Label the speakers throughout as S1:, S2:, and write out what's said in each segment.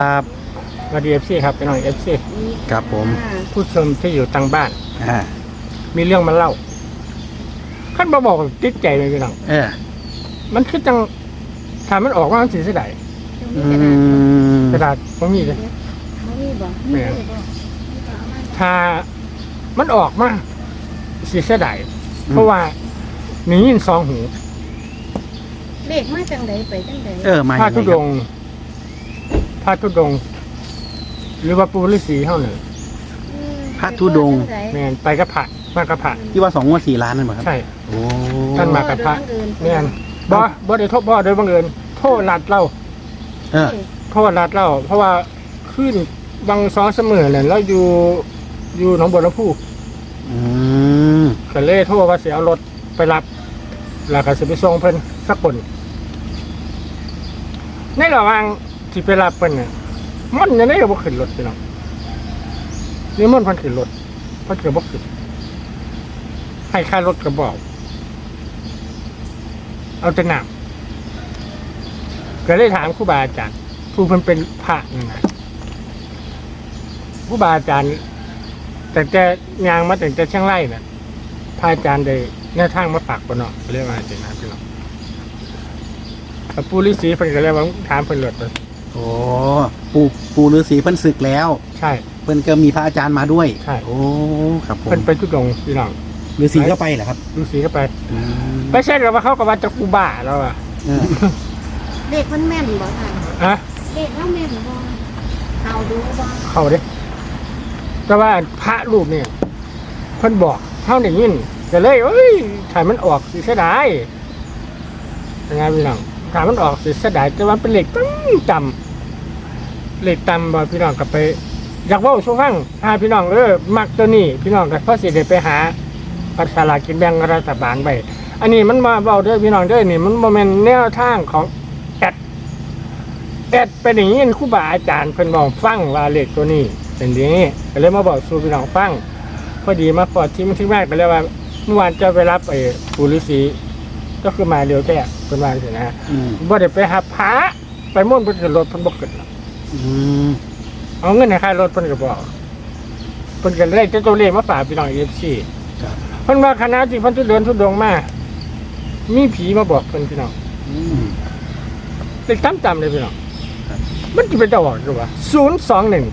S1: ครับ
S2: มาดีFCครับไปหน่อย FC
S1: ครับผม
S2: ผู้ชมที่อยู่ต่างบ้าน
S1: อ่า
S2: มีเรื่องมาเล่าขั้นมาบอกติดใจเลยพี่น้อง มันคือจังถ้ามันออกว่ามันสิเสียดาย
S1: อืม
S2: กระดาษบ่มีเลย
S3: แม่
S2: ถ้ามันออกมาสิเสียดายเพราะว่ามียินสองหู
S3: เลขมาจังใดไปจังใด
S1: มา
S2: พระ
S1: ยังไง
S2: ธุด
S1: ครับ
S2: งค์พระธุดงค์หรือว่าปู่ฤาษีเท่านั้น
S1: พระธุดงค์
S2: แม่นไปกับพระมากับพระ
S1: ที่ว่า2 งวด 4 ล้านนั่นเหรอครับ
S2: ใช่
S1: โอ้
S2: ท่านมากับพระแม่นบ่ได้โทษบ่โดยบังเอิญโทษลัดเล่า
S1: เออ
S2: โทษรัดเล่าเพราะว่าขึ้นบางซ้อนเสมอเนี่ยแล้วอยู่หนองบัวลำพู
S1: อืม
S2: ก็เลยโทษว่าเสียเอารถไปรับแล้วก็สิไปส่งเพิ่นสักคนในระหว่างที่ไปรับเพิ่นเนี่ยมันยังได้บ่ขึ้นรถพี่น้องนี่มันเพิ่นขึ้นรถเพิ่นก็บ่ขึ้นให้ค่ารถก็บอกเอาแต่น้ำก็เลยถามครูบาอาจารย์ผู้เพิ่นเป็นพระนี่นะครูบาอาจารย์แต่ยางมาแต่เชียงรายน่ะพระอาจารย์ได้แนวทางมาฝากบ่เนาะเรียกว่าจังนั้นพี่น้องกับปู่ฤาษีเพิ่นก็เลยว่าถามเพิ่นรถเลย
S1: โอ้ปู่ฤาษีเพิ่นศึกแล้ว
S2: ใช่
S1: เพิ่นก็มีพระอาจารย์มาด้วย
S2: ใช่
S1: โอ้ครับผม
S2: เพิ่นไปทุดงค์พี่น้อง
S1: ฤาษีก็ไปเหรอครับ
S2: ฤาษีก็ไป
S1: อืม
S2: ไปใช่หรือว่าเขาก็ว่าจะกูบ้าแล้วอ่ะ
S1: เออ
S3: เลขมันแม่นบ่ค่ะ
S2: อะ
S3: เลขเราแม่นบ่เอาดูบ่
S2: เข้าเด้แต่ว่าพระรูปเนี่ยเพิ่นบอกเท่านี้ยินก็เลยเอ้ยถ่ายมันออกสิเสียดายยังไงพี่น้องถ่ายมันออกสิเสียดายแต่ว่าเป็นเหล็กตั้งจำเหล็กต่ำบ่พี่น้องกลับไป อยากเว่าสู้ฟังพี่น้องมักตัวนี้พี่น้องก็พอสิได้ไปหาปัสลากกินแบ่งรัฐบาลไปอันนี้มันมาเว้าเด้อพี่น้องเด้อนี่มันบ่แม่นแนวทางของแอดเป็นอย่างนี้ครูบาอาจารย์เพิ่นบอกฟังว่าเลขตัวนี้เป็นอย่างนี้ก็เลยมาบอกสู่พี่น้องฟังพอดีมาพอที่มันที่แรกก็เลยว่าเมื่อวานจะไปรับปู่ฤาษีก็คือมาเร็วแท้เพิ่นว่าสินะ
S1: อืม
S2: บ่ได้ไปหาพระไปม่วนเพิ่นขึ้นรถเพิ่นบ่ขึ้นหรอก
S1: อืม
S2: เอาเงินให้ค่ารถเพิ่นก็บอกเพิ่นก็เลยจะตัวเลขมาฝากพี่น้อง FC
S1: ครับ
S2: เพิ่นว่าคณะที่เพิ่นทุเดินทุดงมามีผีมาบอกเพิ่นพี่น้อง
S1: อืม
S2: เลขจำเลยพี่น้อง
S1: ครับ
S2: มันจะเป็นจะบอกอยู่ว่า021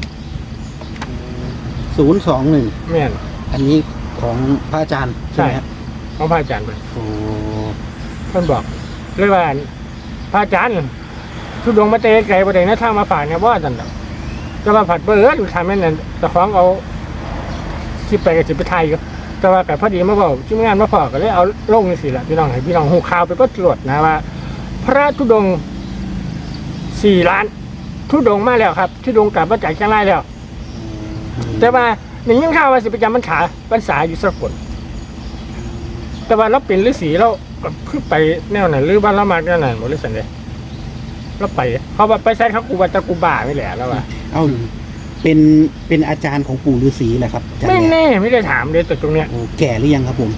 S1: 021
S2: แม่น
S1: อันนี้ของพระอาจารย์ใช่ไหมครับ
S2: ของพระอาจารย์เพิ่น
S1: โอ้
S2: เพิ่นบอกเลยว่าพระอาจารย์ทุดงมาเตะไกลบ่ได้นะทางมาฝากเนี่ยบ่ซั่นดอกแต่ว่าผัดเบิ่นทำแม่นนั่นเจ้าของเอาคลิปไปก็สิไปถ่ายอยู่แต่ว่าก็พอดีมาบอกทีมงานมาพอก็เลยเอาลงจังซี่ล่ะพี่น้องให้พี่น้องฮู้ข่าวไปก็ตรวจนะว่า พระธุดงค์4 ล้านธุดงค์มาแล้วครับธุดงค์กลับมาจากเชียงรายแล้ว แต่ว่าหนึ่งยังข่าวว่าสิประจำพรรษาอยู่สกลแต่ว่าเราเป็นฤาษีเราก็เพิ่งไปแนวไหนหรือบ้านเรามาแนวไหนหมดเลยสันเดย์เราไปเขาว่าไปใช้เขากูว่าตะกูบ่าไม่แหละแล้วว่า
S1: เอ้าเป็นอาจารย์ของปู่ฤาษีแหละครับอาจารย์
S2: ไม่
S1: แหละ
S2: แน่ไม่ได้ถามเลยแต่ตรงเนี้ย
S1: โอ้แก่หรือยังครับผม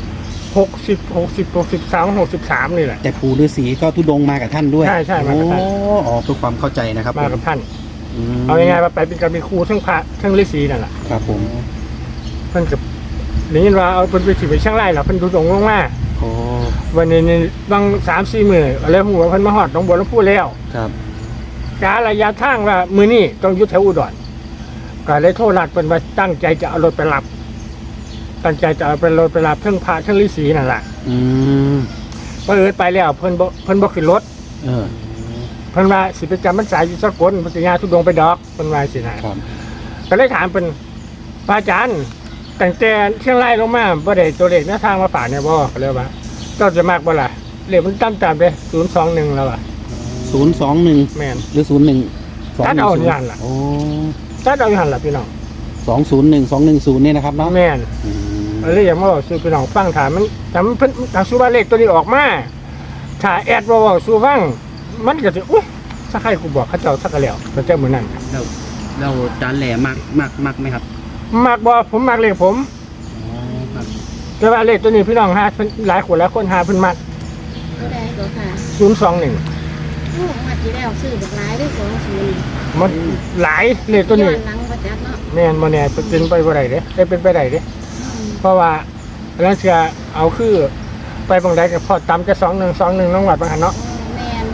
S2: 63นี่แหละ
S1: แต่ปู่ฤาษีก็ทุดงมากับท่านด้วย
S2: ใช่มากับท่าน
S1: โอ้อ๋อเพื่อความเข้าใจนะครับ
S2: มากับท่าน
S1: อืม
S2: เอายังไงมาไปเป็นการเป็นครูทั้งพระทั้งฤาษีนั่นแหละ
S1: ครับผม
S2: เพิ่นกับนี่ว่าเอาเป็นไปถือไปช่างไร่หรอเพิ่นดูตรงลงมา
S1: โอ้
S2: วันนี้นี่บาง3-4 มื้ออะไรหัวเพิ่นมาฮอดหนองบัวลำพูแล้ว
S1: ครับ
S2: การะยะทางว่ามื้อนี้ต้องอยู่แถวอุดรก็เลยโทรนัดเพิ่นว่าตั้งใจจะเอารถไปรับตั้งใจจะเอาเป็นรถไปรับทั้งพระทั้งฤาษีนั่นแหละ
S1: อืม
S2: เปิดไปแล้วเพิ่นบ่ขึ้นรถ
S1: เออ
S2: เพิ่นว่าสิไปจำพรรษาอยู่สกลพุทธญาทุดงไปดอกเพิ่นว่าสินะครับ ก็เลยถามเพิ่นพระอาจารย์ตั้งแต่เชียงรายลงมาบ่ได้ตัวเลขแนวทางมาฝากเนี่ยบ่ก็เลยว่าเจ้าจะมากบ่ล่ะเลขมันตามเด้021แล้วอ่ะ
S1: 021
S2: แม่น
S1: หรือ01
S2: ตัดเอาอย่างนั้นล่ะ
S1: โอ้
S2: ถ้าเอาอยู่หั่นล่ะพี่น้อง
S1: 201 210เนี่ยนะครับเนาะ
S2: แม่น
S1: อืม
S2: เลยอยากมาบอกสู่พี่น้องฟังถามมันถามเพิ่นถามสู่ว่าเลขตัวนี้ออกมาถ้าแอดบ่บอกสู่ฟังมันก็สิอุ๊ยถ้าใครกูบอกเขาเจ้าสักแล้วเขาเจ้ามื้อนั้น
S4: เราจานแหล่มากไหมครับ
S2: มักบ่ผมมักเลขผม
S4: อ๋อครับ
S2: แต่ว่าเลขตัวนี้พี่น้องหาเพิ่นหลายคนหาเพิ่นมัก
S3: ก็ได้ก็ค่ะ
S2: 021
S3: ลูกมาที่แล้วซื้อบักหลายได้20
S2: มันหลายเลขตัว
S3: ย้อ
S2: นี้
S3: นหลังบ่จัดเนาะ
S2: แม่นบ่แน่เป็นไปบ่ได้เด้ได้เป็นไปได้เด้
S3: อืม
S2: เพราะว่าแล้วจะเอาคือไปบางใดก็พอตามจะ2121น้องวัดบางหันเนาะ
S3: แม่น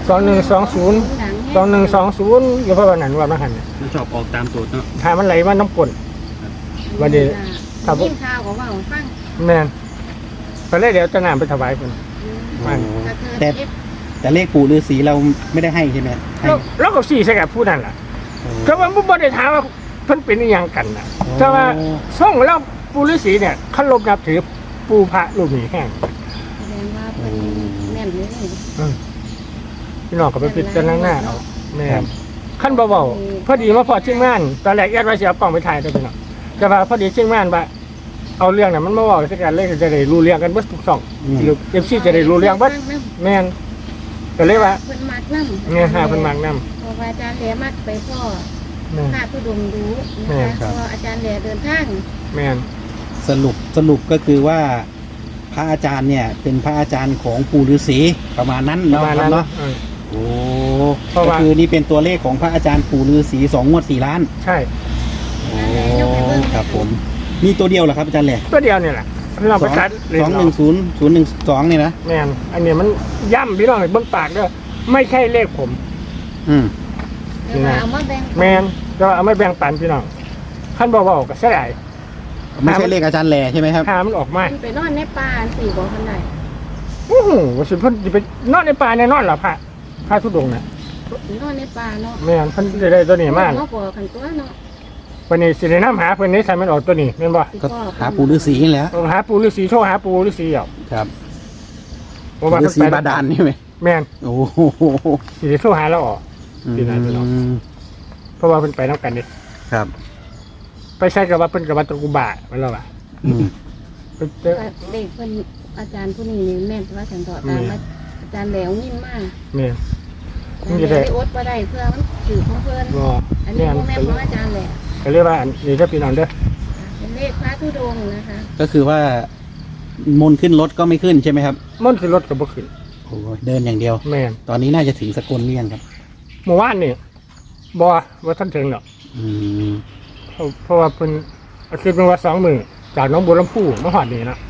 S2: 2120 2120อยู่เพราะว่านั้นว่าบางหันเนี่ย
S4: มันชอบออกตามสูตรเนาะ
S2: ถ้ามันไหลมาน้ำกลน วันนี้ค
S3: ค
S2: รั
S3: รับ บข่าวของว่าฟัง
S2: แม่นก็เลยเดี๋ยวจะนำไปถวายเพิ่น มัน
S3: กระเทือน
S1: แต่
S3: เอฟ
S1: แต่เลขปู่ฤาษีเราไม่ได้ให้ใช่ไหมให้
S2: แล้วก็สี่ใส่กับผู้นั้นล่ะ
S1: โอ้
S2: ก็ว่าบ่ได้ถามว่าเพิ่นเป็นอหยังกันน่ะแต่ว่าส่งแล้วปู่ฤาษีเนี่ยเคารพนับถือปู่พระรูปนี้แห้ง
S3: แสดงว่าเป็นแม่นเลยนี่
S2: พี่น้องก็ไปพิจารณาเอาแม่นขั้นเบาๆพอดีมาพอเชียงงานตอนแรกแอดว่าสิเอากล้องไปถ่ายได้พี่น้องแต่ว่าพอดีเชียงงานว่าเอาเรื่องน่ะมันมาเว้าสักกันเลยจะได้รู้เรื่องกันเบิดทุกช่องหรือ FC จะได้รู้เรื่องเบิดแม่นก็เลยว่า
S3: เพิ่นมักนำ
S2: เนี่ยหาเพิ่นมักนำ
S3: เพราะว่าอาจารย์แหลมักไปพ่อ
S2: แม่น
S3: พระธุดงค์ดู
S2: แม่
S3: นะ
S2: ครั
S3: คะ
S2: บ
S3: พออาจารย์แหลเดินทาง
S2: แม่น
S1: สรุปก็คือว่า พระอาจารย์เนี่ยเป็นพระอาจารย์ของปู่ฤาษีประมาณนั้น
S2: ประ
S1: เนาะ
S2: มาณ
S1: ครั
S2: นั้
S1: บ
S2: น
S1: เนาะ โอ้
S2: เพราะ
S1: ก็
S2: ว่า
S1: คือนี่เป็นตัวเลขของพระอาจารย์ปู่ฤาษี2 งวด 4 ล้าน
S2: ใช่
S1: โอ้ครับผมมีตัวเดียวเหรอครับอาจารย์แหล่
S2: ตัวเดียวเนี่ยแหละพี่น้องไปตัดเลย
S1: 210 012เนี่ยนะ
S2: แม่นอันนี้มันย่ำพี่น้องให้เบิ่งปากเด้อไม่ใช่เลขผม
S1: อืม
S3: เดี๋ยวว่าเอามาแบ่ง
S2: แม่นแต่ว่าเอาไม่แบ่งปันพี่น้องขั้นเบาๆก็เสียดาย
S1: ไม่ใช่เลขอาจารย์แหล่ใช่ไหมครับ
S2: หามันออกมา
S3: เพิ่นไปนอนในป่าสี่บ่คนใด
S2: โอ้โหว่าสิเพิ่นสิไปนอนในป่าแน่นอนเหรอพระธุดงค์น่ะ
S3: นอนในป่าเนาะ
S2: แม่นเพิ่นจะได้ตัวนี้มา
S3: เนาะบ่กันตัวเนาะ
S2: วันนี้สิได้นำหาเพิ่นนี้ใส่มันออกตัวนี้แม่นบ่
S1: ก็หาปู่ฤาษีนี่แหละ
S2: ต้องหาปู่ฤาษีโทรหาปู่ฤาษีเอา
S1: ครับ
S2: เพราะว่า
S1: ฤา
S2: เพิ่น
S1: ษี
S2: ไป
S1: บาดาลนี่ไหม
S2: แม่น
S1: โอ้โห
S2: สิได้โทรหาเราออก ที่ไหนพี่น้อง เพราะว่าเพิ่นไปนำกันนี่
S1: ครับ
S2: ไปใช้กับว่าเพิ่นกับว่าตะกุบามันแล้วว่ะ
S1: อืม
S2: เพิ่นเจอ
S3: เด็กเพิ่นอาจารย์ผู้นี้นี่แม่นว่าฉันต่อตามว่าอาจารย์แหลวนิ่มมาก
S2: แม่น
S3: อาจารย์แหลวได้อดบ่ได้เพื่อมันถือของเพิ่น
S2: บ่
S3: อันนี้
S2: แม่น
S3: บ่แม่นของอาจารย์แหละ
S2: ก็เรียกว่าอันนี้ถ้าพี่น้องเด้อ
S3: เป็นเลขพระธุดงค์นะคะ
S1: ก็คือว่ามนต์ขึ้นรถก็ไม่ขึ้นใช่ไหมครับ
S2: มันสิรถก็บ่ขึ้น
S1: โอ้ยเดินอย่างเดียว
S2: แม่น
S1: ตอนนี้น่าจะถึงสกลหรือยังครับ
S2: เมื่อวานนี่บ่ว่าท่านถึงหรอก
S1: อืม
S2: เพราะว่าเพิ่นอาทิตย์เป็นว่า2 มื้อจากหนองบัวลำพูมาฮอดนี่นะ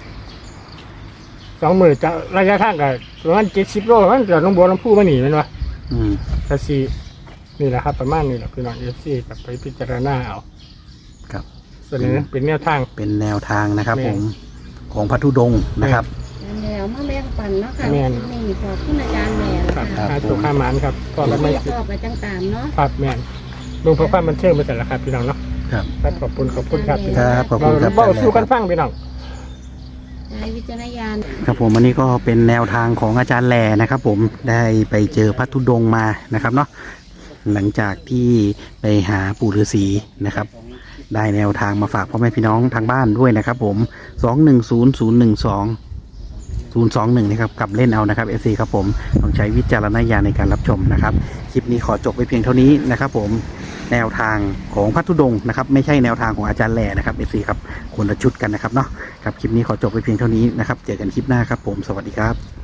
S2: 2 มื้อจากระยะทางก็ประมาณ70 โลมันจากหนองบัวลำพูมานี่แม่นบ่
S1: อืม
S2: ก็สินี่แหละครับประมาณนี้แหละพี่น้อง FC ก็ไปพิจารณาเอา
S1: ครับ
S2: ส่วนนี้นะเป็นแนวทาง
S1: เป็นแนวทางนะครับ
S2: แม่
S1: ผมของพระธุดงค์นะครับ
S3: อาจารย์แหลวมาแบ่งปันเนาะค่ะ
S2: แม่น
S3: นี่ขอบคุณอาจารย์แหลว
S2: ครับ
S3: ค่ะ
S2: หาตัวข้าหมานครับก็แล้วไม่
S3: ชอบไปจังตามเนาะ
S2: ครับแม่นลงเพื่อความบันเทิงไปแต่ละครับพี่น้องเนาะ
S1: ครับ
S2: ครับขอบคุณครับพี่
S1: ค
S2: น้อง
S1: รับขอบคุณครับ
S2: เบาสู้กันฟังพี่น้อง
S3: ใช้วิจารณญาณ
S1: ครับผมอันนี้ก็เป็นแนวทางของอาจารย์แหล่นะครับ ผมได้ไปเจอพระธุดงค์มานะครับเนาะหลังจากที่ไปหาปู่ฤาษีนะครับ ได้แนวทางมาฝากพ่อแม่พี่น้องทางบ้านด้วยนะครับ ผม210012 นะครับกลับเล่นเอานะครับ FC ครับผมต้องใช้วิจารณญาณในการรับชมนะครับคลิปนี้ขอจบไปเพียงเท่านี้นะครับ ผมแนวทางของพระธุดงค์นะครับไม่ใช่แนวทางของอาจารย์แหล่นะครับ FC ครับคนละชุดกันนะครับเนาะครับคลิปนี้ขอจบไปเพียงเท่านี้นะครับเจอกันคลิปหน้าครับผมสวัสดีครับ